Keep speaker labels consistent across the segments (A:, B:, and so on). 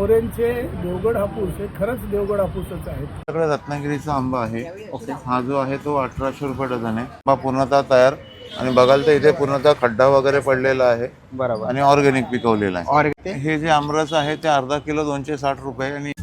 A: मोरेंचे देवगड हापूस हे खरंच देवगड हापूसच आहेत.
B: आपल्याकडे रत्नागिरीचा आंबा आहे. हा जो आहे तो 1800 रुपये डझन आहे. आंबा पूर्णतः तयार आणि बघाल तर इथे पूर्णतः खड्डा वगैरे पडलेला आहे.
C: बरोबर.
B: आणि ऑर्गॅनिक पिकवलेला आहे.
C: ऑर्गॅनिक.
B: हे जे आमरस आहे ते अर्धा किलो 260 रुपये. आणि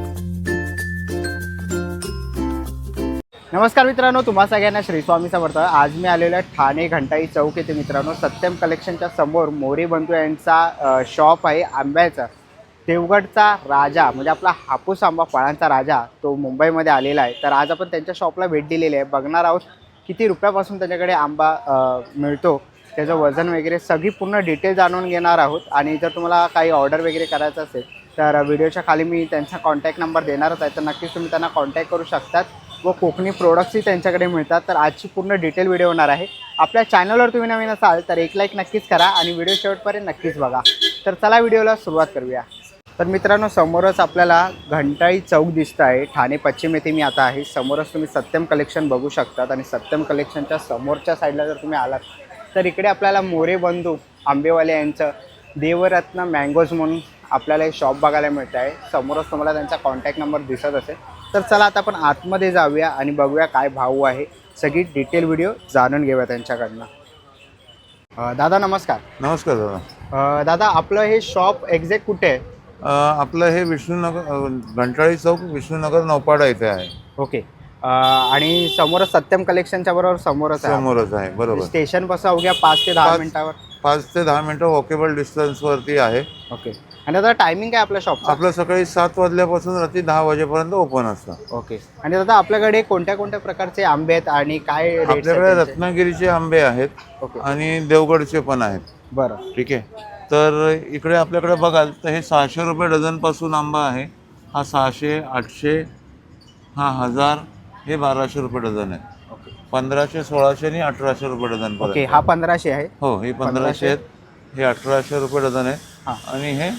C: नमस्कार मित्रांनो, तुम्हा सगळ्यांना श्री स्वामी समर्थ. आज मी आलेलो आहे ठाणे घंटाई चौक येथे मित्रांनो. सत्यम कलेक्शनच्या समोर मोरे बंधू यांचा शॉप आहे आंब्याचा. देवगडचा राजा म्हणजे आपला हापूस आंबा फळांचा राजा तो मुंबईमध्ये आलेला आहे. तर आज आपण त्यांच्या शॉपला भेट दिलेली आहे. बघणार आहोत किती रुपयापासून त्यांच्याकडे आंबा मिळतो, त्याचं वजन वगैरे सगळी पूर्ण डिटेल जाणून घेणार आहोत. आणि जर तुम्हाला काही ऑर्डर वगैरे करायचं असेल तर व्हिडिओच्या खाली मी त्यांचा कॉन्टॅक्ट नंबर देणारच आहे. तर नक्कीच तुम्ही त्यांना कॉन्टॅक्ट करू शकतात व कोकणी प्रोडक्ट्सही त्यांच्याकडे मिळतात. तर आजची पूर्ण डिटेल व्हिडिओ होणार आहे. आपल्या चॅनलवर तुम्ही नवीन असाल तर एक लाईक नक्कीच करा आणि व्हिडिओ शेवटपर्यंत नक्कीच बघा. तर चला व्हिडिओला सुरुवात करूया. तर मित्रांनो, समोरच आपल्याला घंटाई चौक दिसतं आहे. ठाणे पश्चिम येथे मी आता आहे. समोरच तुम्ही सत्यम कलेक्शन बघू शकतात. आणि सत्यम कलेक्शनच्या समोरच्या साईडला जर तुम्ही आलात तर इकडे आपल्याला मोरे बंधू आंबेवाले यांचं देवरत्न मँगोज म्हणून आपल्याला हे शॉप बघायला मिळतं आहे. समोरच तुम्हाला त्यांचा कॉन्टॅक्ट नंबर दिसत असेल. तर चला आता आपण आतमध्ये जाऊया आणि बघूया काय भाव आहे. सगळी डिटेल व्हिडिओ जाणून घेऊया त्यांच्याकडनं. दादा नमस्कार.
B: नमस्कार दादा.
C: दादा, आपलं हे शॉप एक्झॅक्ट कुठे आहे?
B: आपलं हे विष्णुनगर घंटाळी चौक विष्णुनगर नौपाडा इथे आहे.
C: ओके. आणि समोरच सत्यम कलेक्शनच्या बरोबर समोरच
B: आहे. बरोबर.
C: स्टेशन पासून अवघ्या 5 ते 10 मिनिटावर.
B: 5 ते 10 मिनिटं वॉकेबल डिस्टन्सवरती आहे.
C: ओके. आणि दादा टायमिंग काय आपल्या शॉपचं?
B: आपलं सकाळी 7 वाजल्यापासून रात्री 10 वाजेपर्यंत ओपन असतं.
C: ओके. आणि दादा आपल्याकडे कोणत्या कोणत्या प्रकारचे आंबे आहेत आणि काय रेट?
B: आपल्याकडे रत्नागिरीचे आंबे आहेत.
C: ओके.
B: आणि देवगडचे पण आहेत.
C: बरं.
B: ठीक आहे. तर इकडे आपल्याकडे बघाल तर हे 600 रुपये डझनपासून आंबा आहे. हा 600, 800, हा 1000, हे 1200 रुपये डझन आहे. 1500, 1600 आणि 1800 रुपये डझन.
C: ओके. हा 1500 आहे.
B: हो, हे 1500 आहेत. हे 1800 रुपये डझन आहे.
C: हां.
B: आणि हे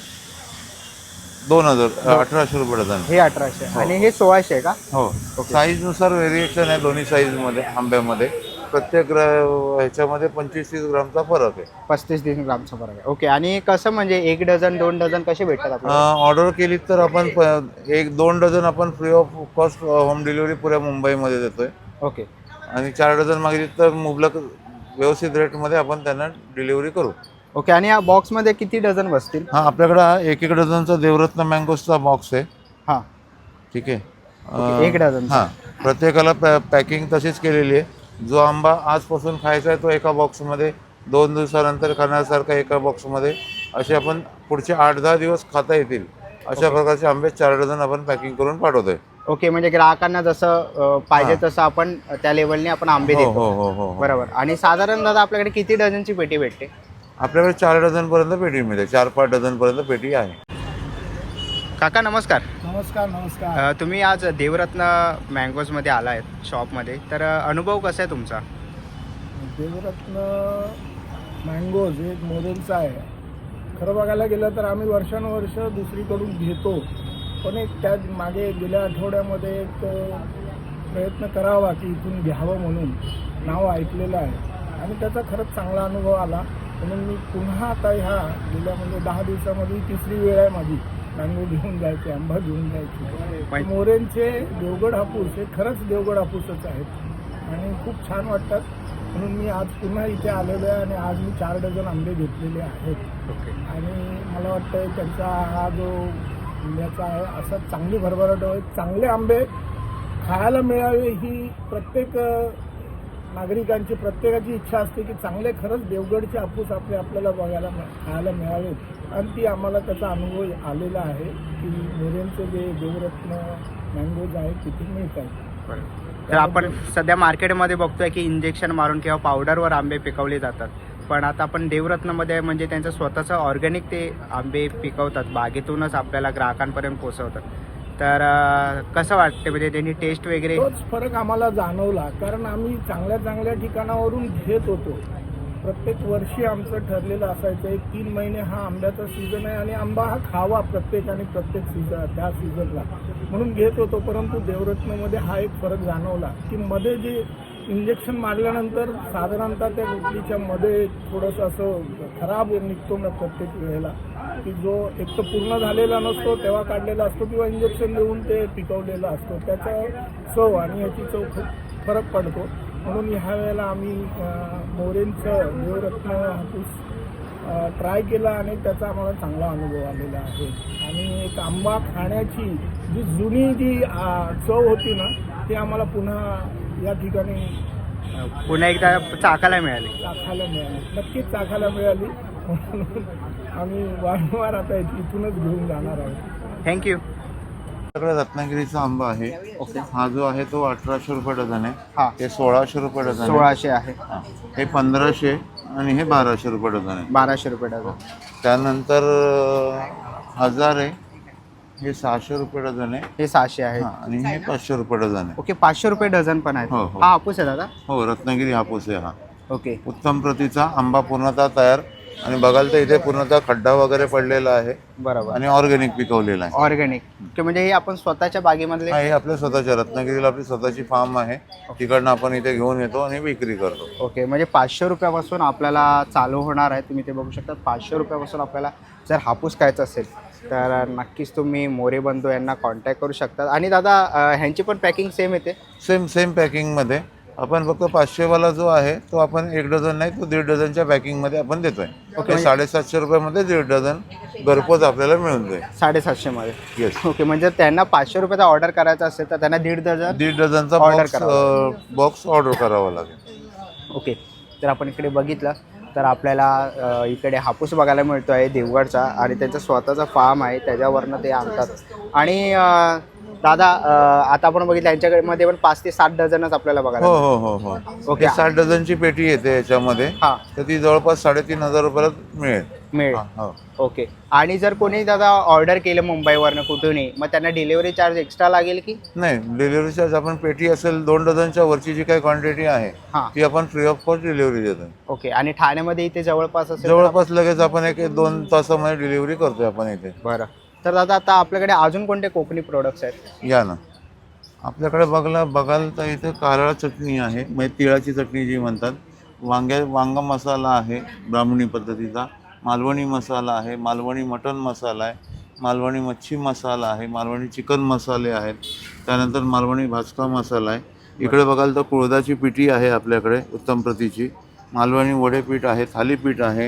B: 1800 रुपये डझन.
C: हे 1800 आणि हे 1600 आहे का?
B: हो. साईजनुसार व्हेरिएशन आहे दोन्ही साईजमध्ये आंब्यामध्ये. प्रत्येक ह्याच्यामध्ये 25-30 ग्रामचा फरक आहे.
C: 35-30 ग्रामचा फरक आहे. ओके. आणि कसं म्हणजे 1 डझन 2 डझन कसे भेटतात आपल्याला?
B: ऑर्डर केली तर आपण 1-2 डझन आपण free of cost home delivery पुऱ्या मुंबईमध्ये देतोय.
C: ओके.
B: आणि 4 डझन मागितली तर मुबलक व्यवस्थित रेटमध्ये आपण त्यांना डिलिव्हरी करू.
C: ओके. आणि या बॉक्समध्ये किती डझन बसतील?
B: हा, आपल्याकडं 1-1 डझनचा देवरत्न मँगोजचा बॉक्स आहे.
C: हां.
B: ठीक आहे.
C: 1 डझन.
B: हां, प्रत्येकाला पॅकिंग तशीच केलेली आहे. जो आंबा आजपासून खायचा आहे तो एका बॉक्समध्ये, 2 दिवसानंतर खाण्यासारखा एका बॉक्समध्ये, असे आपण पुढचे 8-10 दिवस खाता येतील अशा प्रकारचे आंबे 4 डझन आपण पॅकिंग करून पाठवतोय.
C: ओके. म्हणजे ग्राहकांना जसं पाहिजे तसं आपण त्या लेवलने आपण आंबे
B: हो
C: देतो.
B: हो हो हो.
C: बरोबर. आणि साधारण दादा आपल्याकडे किती डझनची पेटी भेटते?
B: आपल्याकडे 4 डझनपर्यंत पेटी मिळते. 4-5 डझनपर्यंत पेटी आहे.
C: काका नमस्कार.
A: नमस्कार. नमस्कार.
C: तुम्ही आज देवरत्न मँगोजमध्ये आला आहेत शॉपमध्ये. तर अनुभव कसा आहे तुमचा?
A: देवरत्न मँगोज एक मोरेंचा आहे. खरं बघायला गेलं तर आम्ही वर्षानुवर्ष दुसरीकडून घेतो, पण एक त्या मागे गेल्या आठवड्यामध्ये एक प्रयत्न करावा की इथून घ्यावं म्हणून नाव ऐकलेलं आहे आणि त्याचा खरंच चांगला अनुभव आला. म्हणून मी पुन्हा आता ह्या गेल्या म्हणजे 10 दिवसामध्ये 3री वेळ आहे माझी मँगो घेऊन जायचे, आंबा घेऊन जायचे. मोरेंचे देवगड हापूस हे खरंच देवगड हापूसच आहेत आणि खूप छान वाटतात. म्हणून मी आज पुन्हा इथे आलेलो आहे आणि आज मी 4 डझन आंबे घेतलेले आहेत. आणि मला वाटतं त्यांचा हा जो आंब्याचा आहे असा चांगली भरभराट होईल. चांगले आंबे खायला मिळावे ही प्रत्येक नागरिकांची प्रत्येकाची इच्छा असते की चांगले खरंच देवगडचे हापूस आपल्याला बघायला खायला मिळावेत. आणि ती आम्हाला त्याचा अनुभव आलेला आहे की मोरेंचे जे देवरत्न मँगोज आहेत तिथे मिळतात.
C: तर आपण सध्या मार्केटमध्ये बघतोय की इंजेक्शन मारून किंवा पावडरवर आंबे पिकवले जातात, पण आता आपण देवरत्नमध्ये म्हणजे त्यांचं स्वतःचं ऑर्गॅनिक ते आंबे पिकवतात, बागेतूनच आपल्याला ग्राहकांपर्यंत पोहोचवतात. तर कसं वाटतं म्हणजे त्यांनी टेस्ट वगैरे?
A: तोच फरक आम्हाला जाणवला, कारण आम्ही चांगल्या चांगल्या ठिकाणावरून घेत होतो. प्रत्येक वर्षी आमचं ठरलेलं असायचं 1-3 महिने हा आंब्याचा सीझन आहे आणि आंबा हा खावा प्रत्येकाने प्रत्येक सीझन त्या सीझनला म्हणून घेत होतो. परंतु देवरत्नमध्ये हा एक फरक जाणवला की मध्ये जे इंजेक्शन मारल्यानंतर साधारणतः त्या गुटलीच्या मध्ये थोडंसं असं खराब निघतो ना प्रत्येक वेळेला, की जो एक तर पूर्ण झालेला नसतो तेव्हा काढलेला असतो किंवा इंजेक्शन देऊन ते पिकवलेला असतो, त्याचा चव आणि ह्याची चव खूप फरक पडतो. म्हणून ह्या वेळेला आम्ही मोरेंचं देवरत्न हापूस ट्राय केला आणि त्याचा आम्हाला चांगला अनुभव आलेला आहे. आणि एक आंबा खाण्याची जी जुनी जी चव होती ना ती आम्हाला पुन्हा या ठिकाणी
C: पुन्हा एकदा चाकायला मिळाली.
A: चाखायला मिळाली, नक्कीच चाखायला मिळाली. म्हणून आम्ही वारंवार आता इथूनच घेऊन जाणार आहोत.
C: थँक्यू.
B: आपल्याकडे रत्नागिरीचा आंबा आहे.
C: ओके.
B: हा जो आहे तो 1800 रुपये डझन आहे.
C: हां,
B: हे 1600 रुपये डझन आहे.
C: 1600 आहे.
B: हां. हे 1500 आणि हे 1200 रुपये डझन आहे.
C: 1200 रुपये डझन.
B: त्यानंतर 1000 आहे, हे 600 रुपये डझन आहे.
C: हे 600 आहे.
B: हां, आणि हे 500 रुपये डझन आहे.
C: ओके, 500 रुपये डझन पण आहेत.
B: हो, हो.
C: हा हापूस आहे दादा.
B: हो, रत्नागिरी हापूस आहे हा.
C: ओके.
B: उत्तम प्रतीचा आंबा पूर्णतः तयार. आणि बघाल तर इथे पूर्णतः खड्डा वगैरे पडलेला आहे
C: बरोबर.
B: आणि ऑर्गॅनिक पिकवलेला आहे.
C: ऑर्गॅनिक म्हणजे हे आपण स्वतःच्या बागेमधले.
B: हा, हे आपल्या स्वतःच्या रत्नागिरीला आपली स्वतःची फार्म आहे. तिकडनं आपण इथे घेऊन येतो आणि विक्री करतो.
C: ओके, म्हणजे 500 रुपयापासून आपल्याला चालू होणार आहे. तुम्ही ते बघू शकता. 500 रुपयापासून आपल्याला जर हापूस खायचा असेल तर नक्कीच तुम्ही मोरे बंधू यांना कॉन्टॅक्ट करू शकता. आणि दादा ह्यांची पण पॅकिंग सेम येते.
B: सेम पॅकिंगमध्ये आपण फक्त 500वाला जो आहे तो आपण 1 डझन नाही, तो 1.5 डझनच्या पॅकिंगमध्ये आपण देतोय.
C: ओके.
B: हे 750 रुपयामध्ये 1.5 डझन घरपोच आपल्याला मिळून जाईल.
C: 750 मध्ये.
B: येस.
C: ओके, म्हणजे त्यांना 500 रुपयाचा ऑर्डर करायचा असेल तर त्यांना 1.5 डझन.
B: 1.5 डझनचा
C: Order
B: बॉक्स ऑर्डर करावा लागेल.
C: ओके, तर आपण इकडे बघितलं तर आपल्याला इकडे हापूस बघायला मिळतो आहे देवगडचा. आणि त्यांचा स्वतःचा फार्म आहे, त्याच्यावरनं ते आणतात. आणि दादा आता आपण बघितलं यांच्याकडे पण 5 ते 7 डझनच आपल्याला बघायला
B: हो
C: मिळतात.
B: हो हो हो.
C: ओके.
B: 60 डझनची पेटी येते याच्यामध्ये.
C: हां,
B: तर ती जवळपास 3500 रुपयाला मिळेल.
C: मिळेल.
B: हो.
C: ओके. आणि जर कोणी दादा ऑर्डर केलं मुंबईवरनं कुठूनही, मग त्यांना डिलिव्हरी चार्ज एक्स्ट्रा लागेल की?
B: नाही, डिलिव्हरी चार्ज आपण पेटी असेल 2 डझनच्या वरची जी काही क्वांटिटी आहे
C: हां.
B: ती आपण फ्री ऑफ कॉस्ट डिलिव्हरी देतो.
C: ओके. आणि ठाण्यामध्ये इथे जवळपास असेल तर
B: जवळपास लगेच आपण 1-2 तासामध्ये डिलिव्हरी करतोय आपण इथे.
C: बरं. तर दादा आता आपल्याकडे अजून कोणते कोकणी प्रोडक्ट्स आहेत?
B: या ना, आपल्याकडे बघाल तर इथे कारळा चटणी आहे, म्हणजे तिळाची चटणी जी म्हणतात. वांगा मसाला आहे ब्राह्मणी पद्धतीचा. मालवणी मसाला आहे, मालवणी मटण मसाला आहे, मालवणी मच्छी मसाला आहे, मालवणी चिकन मसाले आहेत. त्यानंतर मालवणी भाजका मसाला आहे. इकडे बघाल तर कुळदाची पिठी आहे आपल्याकडे उत्तम प्रतीची. मालवणी वडेपीठ आहे, थालीपीठ आहे,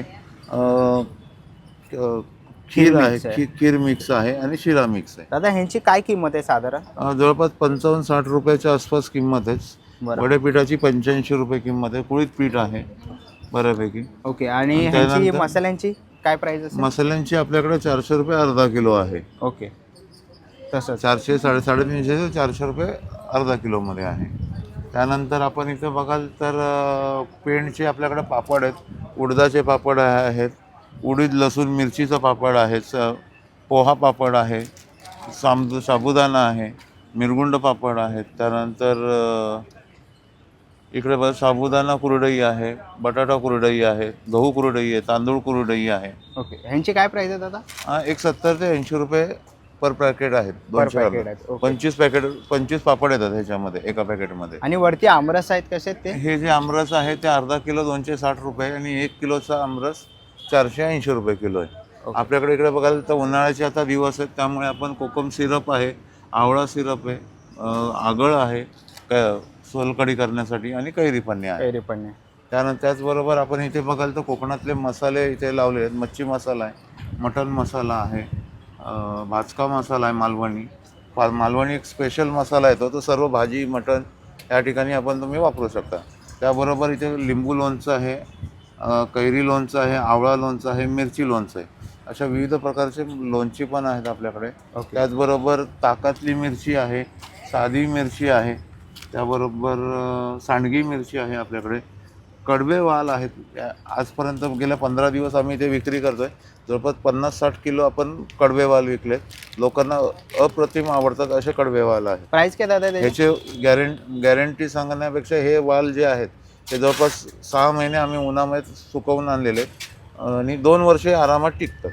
B: खीर आहे, खीर मिक्स आहे आणि शिरा मिक्स आहे.
C: दादा ह्यांची काय किंमत आहे साधारण?
B: जवळपास 55-60 रुपयाच्या आसपास किंमत आहे.
C: बरं.
B: वडेपीठाची 85 रुपये किंमत आहे. कुळीत पीठ आहे बऱ्यापैकी.
C: ओके. आणि
B: आणि
C: ह्यांची
B: त्यानंतर-
C: मसाल्यांची काय प्राइस असेल?
B: मसाल्यांची आपल्याकडे 400 रुपये अर्धा किलो आहे.
C: ओके, तसंच.
B: 400 350 ते 400 रुपये अर्धा किलोमध्ये आहे. त्यानंतर आपण इथं बघाल तर पेंडचे आपल्याकडे पापड आहेत. उडदाचे पापड आहेत, उडीद लसूण मिरचीचा पापड आहे, पोहा पापड आहे, साबुदाणा आहे, मिरगुंड पापड आहेत. त्यानंतर इकडे बघा साबुदाणा कुरडई आहे, बटाटा कुरडई आहे, गहू कुरडई आहे, तांदूळ कुरडई आहे.
C: ओके. ह्यांची काय प्राइस आहे दादा?
B: एक 70 ते 80 रुपये पर पॅकेट आहेत.
C: पर
B: 200
C: पॅकेट आहेत. ओके.
B: 25 पापड येतात ह्याच्यामध्ये एका पॅकेटमध्ये.
C: आणि वरती आमरस आहेत कसे आहेत ते?
B: हे जे आमरस आहे ते अर्धा किलो 260 रुपये आणि 1 किलोचा आमरस 480 रुपये किलो आहे.
C: ओके.
B: आपल्याकडे इकडे बघायला तर उन्हाळ्याचे आता दिवस आहेत, त्यामुळे आपण कोकम सिरप आहे, आवळा सिरप आहे, आगळ आहे सोलकढी करण्यासाठी आणि कैरी पन्ने आहे.
C: कैरी पण नाही.
B: त्यानंतर त्याचबरोबर आपण इथे बघाल तर कोकणातले मसाले इथे लावले आहेत. मच्छी मसाला आहे, मटण मसाला आहे, भाजका मसाला आहे, मालवणी एक स्पेशल मसाला येतो, तो सर्व भाजी मटण या ठिकाणी आपण तुम्ही वापरू शकता. त्याबरोबर इथे लिंबू लोणचं आहे, कैरी लोणचं आहे, आवळा लोणचं आहे, मिरची लोणचं आहे. अशा विविध प्रकारचे लोणची पण आहेत आपल्याकडे.
C: ओके.
B: त्याचबरोबर ताकातली मिरची आहे, साधी मिरची आहे, त्याबरोबर सांडगी मिरची आहे आपल्याकडे. कडवे वाल आहेत. आजपर्यंत गेल्या 15 दिवस आम्ही इथे विक्री करतोय. जवळपास 50-60 किलो आपण कडवे वाल विकलेत. लोकांना अप्रतिम आवडतात असे कडवे वाल आहेत.
C: प्राइस काय दादा त्याची?
B: ह्याचे गॅरंटी सांगण्यापेक्षा हे वाल जे आहेत ते जवळपास 6 महिने आम्ही उन्हामध्ये सुकवून आणलेले आणि 2 वर्षे आरामात टिकतात.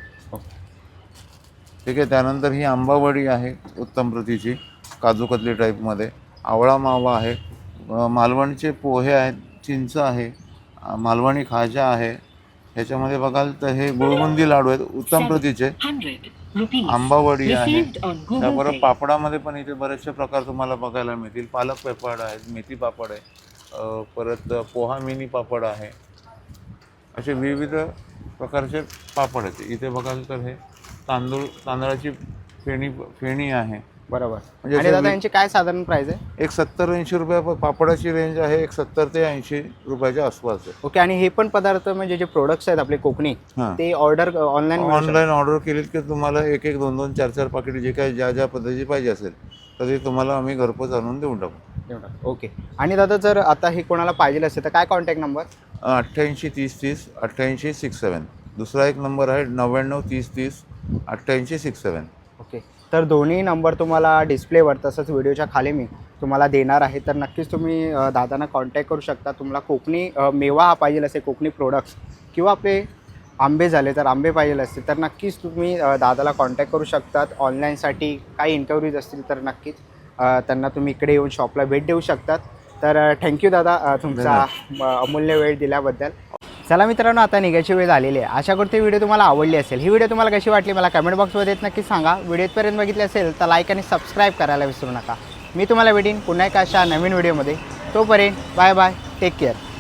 B: ठीक आहे. त्यानंतर ही आंबावडी आहे उत्तम प्रतीची, काजू कतली टाईपमध्ये. आवळा मावा आहे, मालवणीचे पोहे आहेत, चिंच आहे, मालवणी खाजा आहे, ह्याच्यामध्ये बघाल तर हे गुळबुंदी लाडू आहेत उत्तम प्रतीचे.
D: 100 rupees.
B: आंबावडी आहे.
D: Received on Google
B: त्याबरोबर
D: Pay.
B: पापडामध्ये पण इथे बरेचसे प्रकार तुम्हाला बघायला मिळतील. पालक पापड आहेत, मेथी पापड आहे, परत पोहा मिनी पापड आहे. असे विविध प्रकारचे पापड आहेत. इथे बघाल तर हे तांदळाची फेणी आहे.
C: बरोबर.
B: म्हणजे
C: आणि
B: असे
C: दादा यांची काय साधारण प्राइस आहे?
B: एक 70-80 रुपये पापडाची रेंज आहे. एक 70 ते 80 रुपयाच्या आसपास आहे.
C: ओके. आणि हे पण पदार्थ म्हणजे जे प्रोडक्ट्स आहेत आपले कोकणी
B: हां.
C: ते ऑर्डर
B: ऑनलाईन ऑर्डर केलीत की तुम्हाला एक 2-2, 4-4 पाकिट जे काही ज्या पद्धतीची पाहिजे असेल तर ते तुम्हाला आम्ही घरपोच आणून देऊन टाकू.
C: ओके. आणि दादा जर आता हे कोणाला पाहिजे असेल तर काय कॉन्टॅक्ट नंबर?
B: 88 30 30 88 67. दुसरा एक नंबर आहे 99 30 30 88 67.
C: ओके. तर दोन्ही नंबर तुम्हाला डिस्प्लेवर तसंच व्हिडिओच्या खाली मी तुम्हाला देणार आहे. तर नक्कीच तुम्ही दादांना कॉन्टॅक्ट करू शकता. तुम्हाला कोकणी मेवा हा पाहिजे असेल, कोकणी प्रोडक्ट्स किंवा आपले आंबे झाले तर आंबे पाहिजे असतील तर नक्कीच तुम्ही दादाला कॉन्टॅक्ट करू शकतात. ऑनलाईनसाठी काही इन्क्वायरीज असतील तर नक्कीच त्यांना तुम्ही इकडे येऊन शॉपला भेट देऊ शकतात. तर थँक्यू दादा तुमचा अमूल्य वेळ दिल्याबद्दल. चला मित्रांनो, आता निघायची वेळ झालेली आहे. आशा करते व्हिडिओ तुम्हाला आवडली असेल. ही व्हिडिओ तुम्हाला कशी वाटली मला कमेंट बॉक्समध्ये नक्की सांगा. व्हिडिओपर्यंत बघितली असेल तर लाईक आणि सबस्क्राईब करायला विसरू नका. मी तुम्हाला भेटीन पुन्हा एका अशा नवीन व्हिडिओमध्ये. तोपर्यंत बाय बाय, टेक केअर.